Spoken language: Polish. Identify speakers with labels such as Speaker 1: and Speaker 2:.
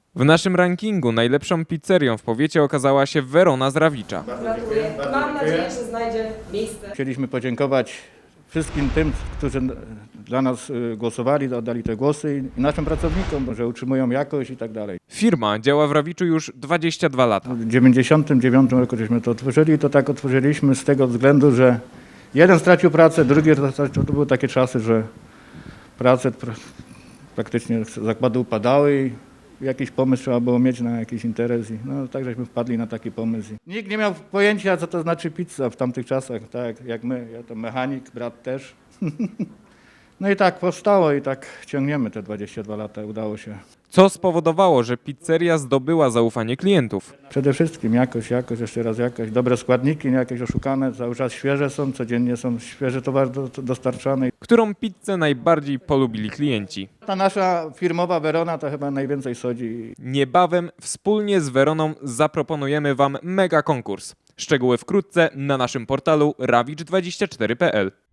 Speaker 1: W naszym rankingu najlepszą pizzerią w powiecie okazała się Werona z Rawicza.
Speaker 2: Gratuluję. Mam nadzieję, że znajdzie miejsce.
Speaker 3: Chcieliśmy podziękować wszystkim tym, którzy dla nas głosowali, oddali te głosy i naszym pracownikom, że utrzymują jakość i tak dalej.
Speaker 1: Firma działa w Rawiczu już 22 lata.
Speaker 3: W 1999 roku żeśmy to otworzyli i to tak otworzyliśmy z tego względu, że jeden stracił pracę, drugi stracił, to były takie czasy, że prace praktycznie zakłady upadały i jakiś pomysł trzeba było mieć na jakiś interes. No tak żeśmy wpadli na taki pomysł. Nikt nie miał pojęcia, co to znaczy pizza w tamtych czasach, tak jak my. Ja to mechanik, brat też. No i tak powstało i tak ciągniemy te 22 lata, udało się.
Speaker 1: Co spowodowało, że pizzeria zdobyła zaufanie klientów.
Speaker 3: Przede wszystkim jakość, jeszcze raz jakość, dobre składniki, nie jakieś oszukane, cały czas świeże są, codziennie są świeży towar dostarczany.
Speaker 1: Którą pizzę najbardziej polubili klienci?
Speaker 3: Ta nasza firmowa Werona to chyba najwięcej sodzi.
Speaker 1: Niebawem wspólnie z Weroną zaproponujemy Wam mega konkurs. Szczegóły wkrótce na naszym portalu rawicz24.pl.